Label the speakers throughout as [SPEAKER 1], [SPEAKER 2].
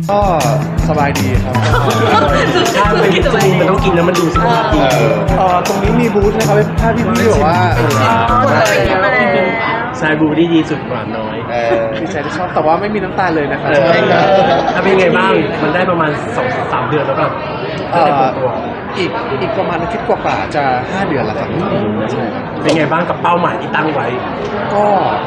[SPEAKER 1] ก็สบายดีครับ
[SPEAKER 2] ถ้าเป็นจมูกมันต้องกินแล้วมันดูสุขภาพดี
[SPEAKER 1] ตรงนี้มีบูธนะครับถ้าพี่บอกว่า
[SPEAKER 2] ชายบูที่ดีสุดหวานน้อย
[SPEAKER 1] ดีใจที่ชอบแต่ว่าไม่มีน้ำตาลเลยนะครับ
[SPEAKER 2] ถ้าเป็นไงบ้างมันได้ประมาณ 2-3 เดือนแล้วครับตัว
[SPEAKER 1] อีกประมาณอาทิตย์กว่าๆจะ5 เดือนแล้วครับใช่ครับ
[SPEAKER 2] เป็นไงบ้างกับเป้าหมายที่ตั้งไว้
[SPEAKER 1] ก็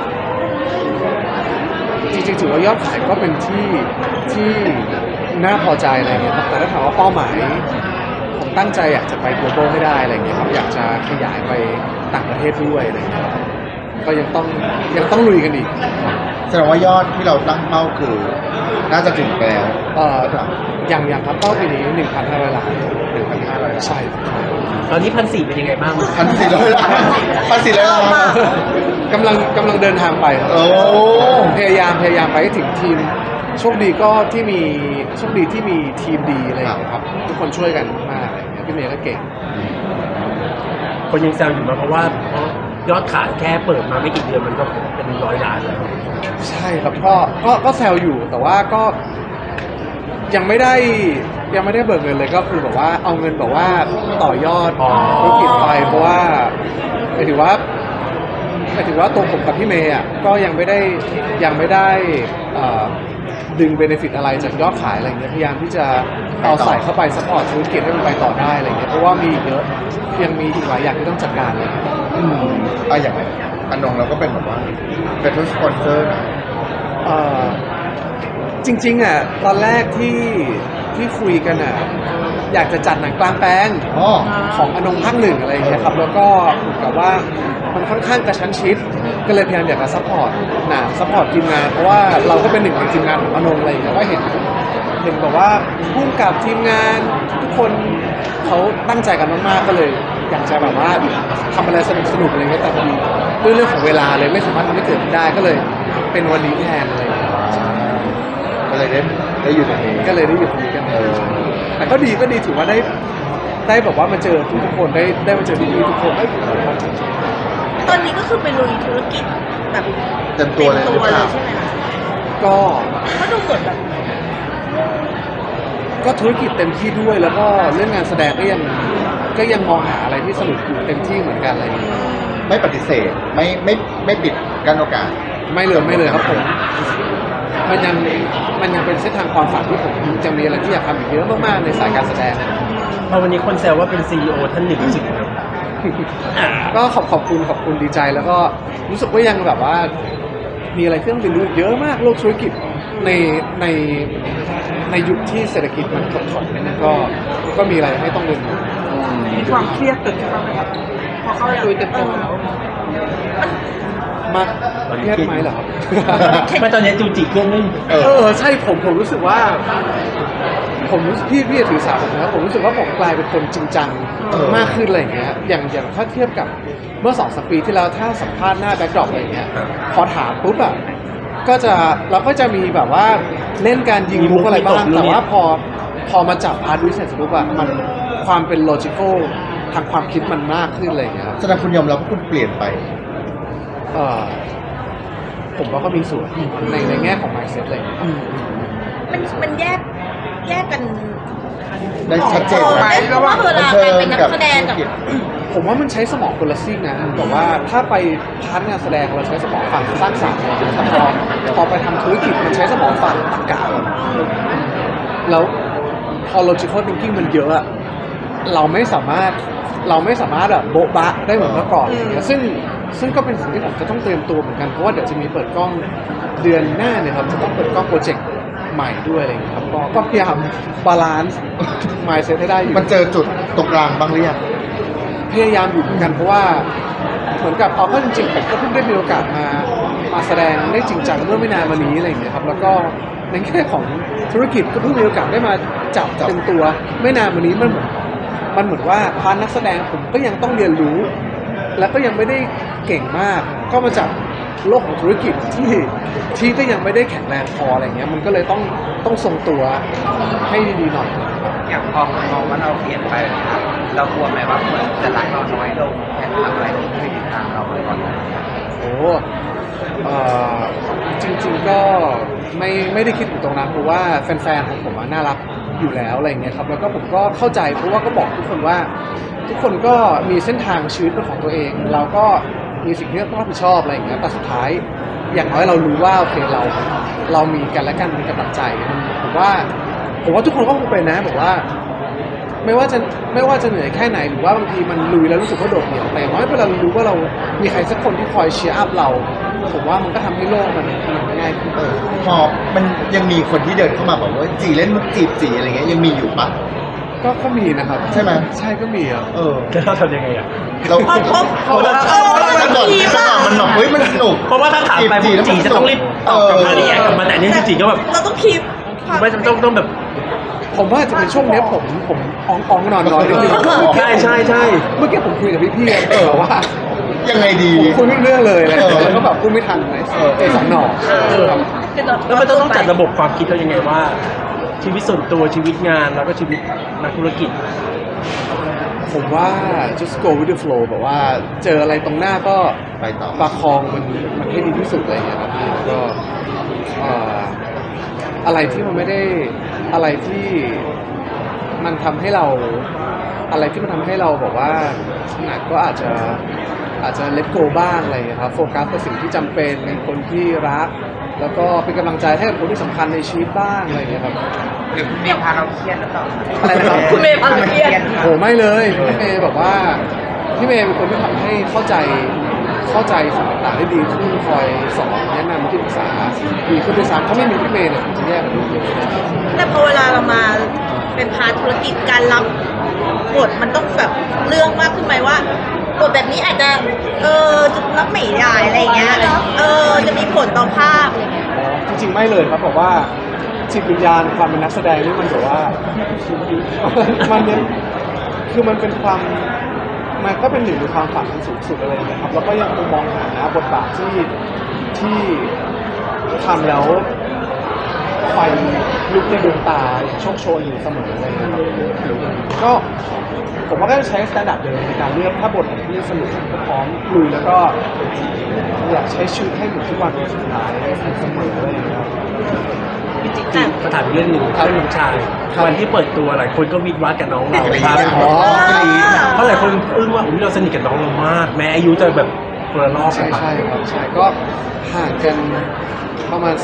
[SPEAKER 1] จริงๆถือว่ายอดขายก็เป็นที่น่าพอใจอะไรเงี้ยครับแต่ถ้าถามว่าเป้าหมายผมตั้งใจอยากจะไป global ให้ได้อะไรเงี้ยครับอยากจะขยายไปต่างประเทศด้วยอะไรเงี้ยครับก็ยังต้องลุยกันอีก
[SPEAKER 3] แสดงว่ายอดที่เราตั้งเป้าคือน่าจะถึงไปแล้ว
[SPEAKER 1] อย่างครับเป้าปีนี้ 1,500 ล้าน
[SPEAKER 3] 1,500 ล้าน
[SPEAKER 1] ใช่ครับ
[SPEAKER 2] ตอนนี้1,400เป็นยังไงบ้าง
[SPEAKER 3] 1,400 ล้าน1,400 ล้าน
[SPEAKER 1] กำลังเดินทางไปครับ
[SPEAKER 3] โอ้
[SPEAKER 1] ผมพยายามไปให้ถึงทีมโชคดีที่มีทีมดีอะไรอย่างเงี้ยครับทุกคนช่วยกันมากอะไรอย่างเงี้ยพี่เมย์ก็เก่ง
[SPEAKER 2] คนยังแซวอยู่มาเพราะว่ายอดขายแค่เปิดมาไม่กี่เดือนมันก็เป็น100 ล้านแล้ว
[SPEAKER 1] ใช่ครับก็แซวอยู่แต่ว่าก็ยังไม่ได้เบิกเงินเลยก็คือแบบว่าเอาเงินแบบว่าต่อยอดธุรกิจไปเพราะว่าหมายถึงว่าตัวผมกับพี่เมย์อ่ะก็ยังไม่ได้ดึงเบนฟิตอะไรจากยอดขายอะไรเงี้ยพยายามที่จะเอาใส่เข้าไปซัพพอร์ตธุรกิจให้มันไปต่อได้อะไรเงี้ยเพราะว่ามีอีกเยอะยังมีอีกหลายอย่างที่ต้องจัดการเลย
[SPEAKER 3] อย่างอนงเราก็เป็นแบบว่าเป็นทุกสปอนเซอร์นะ
[SPEAKER 1] จริงๆอ่ะตอนแรกที่คุยกันอ่ะอยากจะจัดหนังกลางแปลง
[SPEAKER 3] อ๋อ
[SPEAKER 1] ของอนงภาค 1อะไรอย่างเงี้ยครับแล้วก็เหมือนกับว่ามันค่อนข้างกระชั้นชิดก็เลยพยายามอยากจะซัพพอร์ตหนังซัพพอร์ตทีมงานเพราะว่าเราก็เป็นหนึ่งในทีมงานของอนงอะไรอย่างเงี้ยก็เห็นแบบว่าพุ่งกับทีมงานทุกคนเขาตั้งใจกันมากๆก็เลยอยากจะแบบว่าทำอะไรสนุกๆอะไรเงี้ยแต่พอดีด้วยเรื่องของเวลาเลยไม่สามารถทำให้เกิดขึ้นได้ก็เลยเป็นวันนี้แทนอะไรอย่างเงี้ย
[SPEAKER 3] ก็เลยได้อยู่ตรงนี้
[SPEAKER 1] ก็เลยได้อยู่ตรงนี้กันแต่ก็ดีถือว่าได้แบบว่ามาเจอทุกคนได้มาเจอพี่ๆทุกคนได้
[SPEAKER 4] ตอนนี้ก็คือไปลุยธุรกิจแบบ
[SPEAKER 3] เต็มตัวเลยหรือเปล่า
[SPEAKER 4] ใช่ไหมคะ
[SPEAKER 1] ก็
[SPEAKER 4] ก็ดูเหมือนแบบ
[SPEAKER 1] ธุรกิจเต็มที่ด้วยแล้วก็เรื่องงานแสดงก็ยังมองหาอะไรที่สนุกอยู่เต็มที่เหมือนกันอะไรอย่างเงี้ย
[SPEAKER 3] ไม่ปฏิเสธไม่ปิดกั้นโอกาส
[SPEAKER 1] ไม่เลยครับผมมันยังเป็นเส้นทางความฝันที่ผมยังมีอะไรที่อยากทำอีกเยอะมากๆในสายการแสดง
[SPEAKER 2] พอวันนี้คนแซวว่าเป็น CEO ท่านหนึ่งรู้สึกไง
[SPEAKER 1] ก็ขอบคุณดีใจแล้วก็รู้สึกว่ายังแบบว่ามีอะไรที่ต้องเรียนรู้เยอะมากโลกธุรกิจในยุคที่เศรษฐกิจมันถดถอยเนี่ยก็มีอะไรให้ต้องเรียนรู้
[SPEAKER 4] มีความเครียดเกิดขึ้นบ้างไหมครับพอเข้าไปลุยเต็มตัวแล้ว
[SPEAKER 1] มากเครียดไหมเหรอครับ
[SPEAKER 2] ไม่ตอนนี้จูจิเครื่องนึง
[SPEAKER 1] ใช่ผมรู้สึกว่าพี่ถือสาผมนะผมรู้สึกว่าผมกลายเป็นคนจริงจังมากขึ้นอะไรอย่างเงี้ยอย่างถ้าเทียบกับเมื่อ2-3 ปีที่แล้วถ้าสัมภาษณ์หน้าแบ็คดรอปอะไรอย่างเงี้ยพอถามปุ๊บอ่ะเราก็จะมีแบบว่าเล่นการยิงมุกอะไรบ้างแต่ว่าพอมาจับพาร์ทวิสัยปุ๊บอ่ะมันความเป็นโลจิคอลทางความคิดมันมากขึ้นอะไรอย่างเงี้ยครับ
[SPEAKER 3] แสดงคุณยอมรับว่าคุณเปลี่ยนไป
[SPEAKER 1] ผมว่าก็มีส่วนในแง่ของ mindset อะไรอย่างเงี้ยครับ
[SPEAKER 4] มันแยกกัน
[SPEAKER 3] ได้ชัดเจนไหม
[SPEAKER 4] เพราะว่าเวลาการเป็นนักแสดงกับ
[SPEAKER 1] ผมว่ามันใช้สมองคนละซีกนะแต่ว่าถ้าไปพาร์ทงานแสดงเราใช้สมองฝั่งสร้างสรรค์แต่พอไปทำธุรกิจมันใช้สมองฝั่งตรรกะแล้วพอ logical thinking มันเยอะอะเราไม่สามารถแบบโบ๊ะบะได้เหมือนเมื่อก่อนอย่างเงี้ยซึ่งก็เป็นสิ่งที่ผมจะต้องเตรียมตัวเหมือนกันเพราะว่าเดี๋ยวจะมีเปิดกล้องเดือนหน้าเนี่ยครับจะต้องเปิดกล้องโปรเจกต์ใหม่ด้วยอะไรอย่างเงี้ยครับก็พยายามบาลานซ์ mindset ให้ได้อยู่
[SPEAKER 3] มันเจอจุดตรงกลางบ้างหรือยัง
[SPEAKER 1] พยายามอยู่เหมือนกันเพราะว่าเหมือนกับเอาก็จริงๆผมก็เพิ่งได้มีโอกาสมาแสดงได้จริงจังเมื่อไม่นานมานี้อะไรอย่างเงี้ยครับแล้วก็ในแง่ของธุรกิจก็เพิ่งมีโอกาสได้มาจับเต็มตัวไม่นานมานี้มันเหมือนว่าพาร์ทนักแสดงผมก็ยังต้องเรียนรู้ แล้วก็ยังไม่ได้เก่งมากก็มาจากโลกของธุรกิจที่ก็ยังไม่ได้แข็งแรงพออะไรเงี้ยมันก็เลยต้องทรงตัวให้ดีๆหน่อย
[SPEAKER 5] อย่างพอมองว่าเราเปลี่ยนไปนะครับเรากลัวไหมว่าคนจะรักเราน้อยลงแค่ทำอะไรที่ไม่ติดตามเราเลยก่อน
[SPEAKER 1] โอ้จริงๆก็ไม่ได้คิดถึงตรงนั้นเพราะว่าแฟนๆของผมน่ารักอยู่แล้วอะไรเงี้ยครับแล้วก็ผมก็เข้าใจเพราะว่าก็บอกทุกคนว่าทุกคนก็มีเส้นทางชีวิตเป็นของตัวเอง เราก็มีสิ่งที่ต้องรับผิดชอบอะไรอย่างเงี้ยแต่สุดท้ายอย่างน้อยเรารู้ว่าโอเคเรามีกันและกันมีกำลังใจผมว่าทุกคนก็คงเป็นนะบอกว่าไม่ว่าจะเหนื่อยแค่ไหนหรือว่าบางทีมันลุยแล้วรู้สึกว่าโดดเดี่ยวแต่อย่างน้อยเวลาเรารู้ว่าเรามีใครสักคนที่คอยเชียร์อัพเราผมว่ามันก็ทำให้โลกมันง่ายขึ้น
[SPEAKER 3] พอมันยังมีคนที่เดินเข้ามาบอกว่าจีเล่นมุกจีบจีอะไรเงี้ยยังมีอยู่ปะ
[SPEAKER 1] ก็มีนะครับ
[SPEAKER 3] ใช่ไหม
[SPEAKER 1] ใช่ก็มีอ่ะ
[SPEAKER 2] แล้วเราทำยังไงอ่ะ
[SPEAKER 3] เรา
[SPEAKER 4] เพราะ
[SPEAKER 3] มันหนมันหนเฮ้ยมันสนุก
[SPEAKER 2] เพราะว่าถ้าถามไปผมจีจะต้องรีบตอบกลับมารีแอคกลับมาแต่อันนี่จีก็แบบ
[SPEAKER 4] เราต้องคีบ
[SPEAKER 2] ไม่ต้องแบบ
[SPEAKER 1] ผมว่าจะเป็นช่วงเนี้ยผมอ่องนอนนิดนึง
[SPEAKER 2] ใช่
[SPEAKER 1] เมื่อกี้ผมคุยกับพี่ๆแบบว่า
[SPEAKER 3] ยังไงดี
[SPEAKER 1] ผมคุยไม่รู้เรื่องเลยอะไรอย่างเงี้ยแล้วก็แบบพูดไม่ทันเลยเจอสองหน่อครับ
[SPEAKER 2] แล้วมันต้องจัดระบบความคิดเรายังไงว่า ชีวิตส่วนตัวชีวิตงานแล้วก็ชีวิตนักธุรกิจ
[SPEAKER 1] ผมว่า just go with the flow แบบว่าเจออะไรตรงหน้าก็
[SPEAKER 3] ไปต่อ
[SPEAKER 1] ประคองมันให้ดีที่สุดอะไรอย่างเงี้ยครับก็อะไรที่มันไม่ได้อะไรที่มันทำให้เราบอกว่าหนักก็อาจจะlet go บ้างอะไรอย่างเงี้ยครับโฟกัสกับสิ่งที่จำเป็นในคนที่รักแล้วก็เป็นกำลังใจให้กับคนที่สำคัญในชีวิตบ้างอะไรอย่างเงี้ยครับ
[SPEAKER 5] หรือเมย์พาเราเครียดหรือเปล่า
[SPEAKER 1] อะไรนะครับ
[SPEAKER 4] คุณเมย์พาเราเครียด
[SPEAKER 1] โหไม่เลยพี่เมย์แบบว่าพี่เมย์เป็นคนที่ทำให้เข้าใจสิ่งต่างๆได้ดีขึ้นคอยสอนแนะนำที่ปรึกษาดีขึ้นด้วยซ้ำถ้าไม่มีพี่เมย์เนี่ยผมจะแย่กว่านี้เยอะ
[SPEAKER 4] แต่พอเวลาเรามาเป็นพาร์ทธุรกิจการรับบทมันต้องแบบเรื่องมากขึ้นไหมว่าบทแบบนี้อาจจะจะรับไม่ได้อะไรเงี้ยจะมีผลต่อภาพอะไรเงี้ย
[SPEAKER 1] จริงๆไม่เลยครับบอกว่าจิตวิญญาณความเป็นนักแสดงนี่มันแบบว่ามันเนี่ยคือมันเป็นความมันก็เป็นหนึ่งในความฝันสูงสุดอะไรอย่างเงี้ยครับแล้วก็ยังคงมองหาบทบาทที่ทำแล้วไฟลุกในดวงตาโชคโชนอยู่เสมออะไรอย่างเงี้ยครับก็ผมว่าก็จะใช้สแตนดาร์ดเดิมในการเลือกถ้าบทไหนที่สนุกก็พร้อมลุยแล้วก็อยากใช้ชีวิตให้เหมือนทุกวันเป็นสุดท้ายเสมออะไรอย่างเงี้ยครับ
[SPEAKER 2] ก็ถามอีกเรื่องหนึ่ง
[SPEAKER 1] ครับ
[SPEAKER 2] เรื่องน้องชาย
[SPEAKER 1] ครับ
[SPEAKER 2] วันที่เปิดตัวหลายคนก็วิดวัดกับน้องเราพาไป
[SPEAKER 1] อ๋อ
[SPEAKER 2] เพราะหลายคนอึ้งว่าอุ๊ยเราสนิทกับน้องเรามาก แม้อายุจะแบบคนละรอบ
[SPEAKER 1] ใช่ครับใช่ก็ห่างกันประมาณ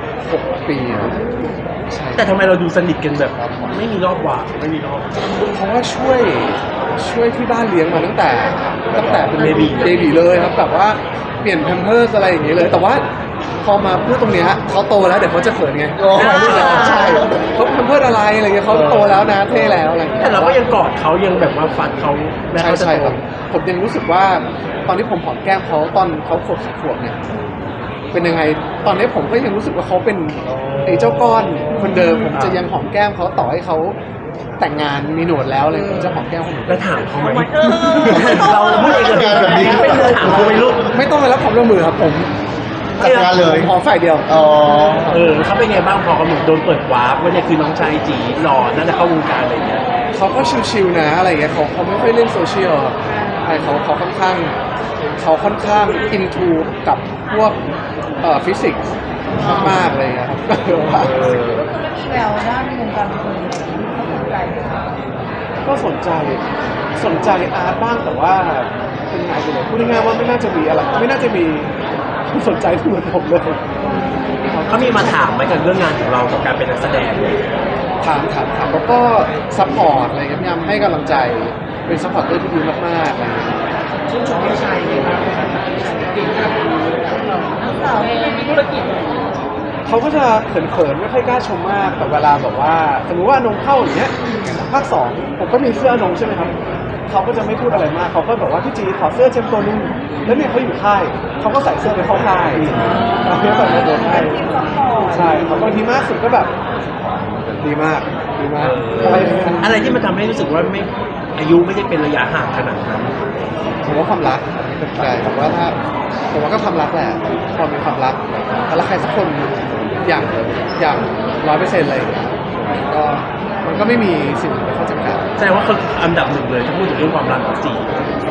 [SPEAKER 1] 16 ปีครับใช่
[SPEAKER 2] แต่ทำไมเราดูสนิทกันแบบไม่มีรอบหว่างไม่มีรอบ
[SPEAKER 1] เพราะว่าช่วยที่บ้านเลี้ยงมาตั้งแต่เป็น
[SPEAKER 2] เบบี
[SPEAKER 1] เบบีเลยครับแบบว่าเปลี่ยนแพมเพิร์สอะไรอย่างเงี้ยเลยแต่ว่าพอมาพูดตรงเนี้ยเขาโตแล้วเดี๋ยวเขาจะเขินไง
[SPEAKER 3] โอ้
[SPEAKER 1] ใช่เขาแพมเพิร์สอะไรอะไรเงี้ยเขาโตแล้วนะเท่แล้วอะไรอย่างเงี้ย
[SPEAKER 2] แต่เราก็ยังกอดเขายังแบบว่าฝันเขาแม้
[SPEAKER 1] ใช่
[SPEAKER 2] เขาจะ
[SPEAKER 1] ใช่
[SPEAKER 2] โต
[SPEAKER 1] ครับผมยังรู้สึกว่าตอนที่ผมหอมแก้มเขาตอนเขาขวบ10 ขวบเนี่ยเป็นยังไงตอนนี้ผมก็ยังรู้สึกว่าเขาเป็นไอ้เจ้าก้อนคนเดิมผมจะยังหอมแก้มเขาต่อให้เขาแต่งงานมีหนวดแล้วเลยผมจะหอมแก้มเขาเหมือนเดิ
[SPEAKER 2] แล้ว
[SPEAKER 1] ม
[SPEAKER 2] ถามเขาไหม
[SPEAKER 4] เรา
[SPEAKER 2] เราพูดเองกับแบบนี้ไม่เคยถามเขาไหมลูก
[SPEAKER 1] ไม่ต้องไปรับความร่วมมือครับผม
[SPEAKER 3] จัดการเลย
[SPEAKER 1] ผมหอมฝ่ายเดียว
[SPEAKER 3] อ๋อ
[SPEAKER 2] เขาเป็นไงบ้างพอเขาเหมือนโดนเปิดวาร์ปว่าเนี่ยคือน้องชายจีหล่อน่าจะเข้าวงการอะไรอย่างเงี้ย
[SPEAKER 1] เขาก็ชิวๆนะอะไรอย่างเงี้ยเขาไม่ค่อยเล่นโซเชียลครับใช่เขาค่อนข้างอินทูกับพวกฟิสิกส์มากๆเลยครับ
[SPEAKER 4] แววด้านวงการบันเทิงสนใจ
[SPEAKER 1] ก็สนใจอาร์ตบ้างแต่ว่าเป็นงานไปเลยพูดง่ายๆว่าไม่น่าจะมีอะไรไม่น่าจะมีผู้สนใจที่เหมือนผมเลย
[SPEAKER 2] เขามีมาถามไหมกับเรื่องงานของเรากับการเป็นนักแสดง
[SPEAKER 1] ถามแล้วก็ซัพพอร์ตอะไรเงี้ยพยายามให้กำลังใจเป็นซัพพอร์ตเตอร์ที่ดีมากๆอะไรเงี้ย
[SPEAKER 4] ชื่นชมพี่ชายเลยครับเก่งครับนักสาวมีธุรกิจ
[SPEAKER 1] เขาก็จะเขินๆไม่ค่อยกล้าชมมากแต่เวลาแบบว่าสมมติว่าอนงเข้าอย่างเงี้ยภาค 2ผมก็มีเสื้ออนงใช่ไหมครับเขาก็จะไม่พูดอะไรมากเขาก็บอกว่าพี่จีขอเสื้อเจมส์ตัวนึงแล้วเนี่ยเขาอยู่ค่ายเขาก็ใส่เสื้อไปเข้าค่ายเราเนี่ยแบบโดนให้ใช่เขาบางทีมากสุดก็แบบดีมากอะไรอย่างเงี้ย
[SPEAKER 2] อะไรที่มันทำให้รู้สึกว่าไม่อายุไม่ได้เป็นระยะห่างขนาดนั้น
[SPEAKER 1] ผมว่าความรักเป็นใจผมว่าก็ความรักแหละพอมีความรักแล้วใครสักคนอย่าง100%อะไรอย่างเงี้ยก็มันก็ไม่มีสิ่งที่เข้าจำกัด
[SPEAKER 2] แสดงว่าเขาอันดับหนึ่งเลยถ้าพูดถึงเรื่องความรักของจี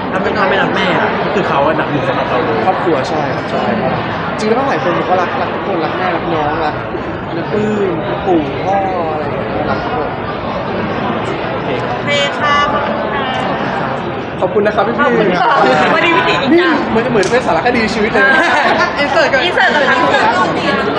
[SPEAKER 2] ถ้าไม่รักแม่อะก็คือเขาอันดับหนึ่งสำหรับเราเลย
[SPEAKER 1] ครอบครัวใช่ครับใช่ครับจริงแล้วหลายคนก็รักทุกคนรักแม่รักน้องรักน้าปื้มปู่พ่ออะไรอย่างเงี้ยรักทุกคน
[SPEAKER 2] โอเค
[SPEAKER 4] โอเคค่ะขอบคุณค่ะ
[SPEAKER 1] ขอบคุณนะครับพี่
[SPEAKER 4] ขอบคุณค่ะวันนี้พี่ติ๋ง
[SPEAKER 1] นี่เหมือนเป็นสารคดีชีวิตเลยอินเสิร์ตกัน
[SPEAKER 4] อินเสิร์ตกับทั้ง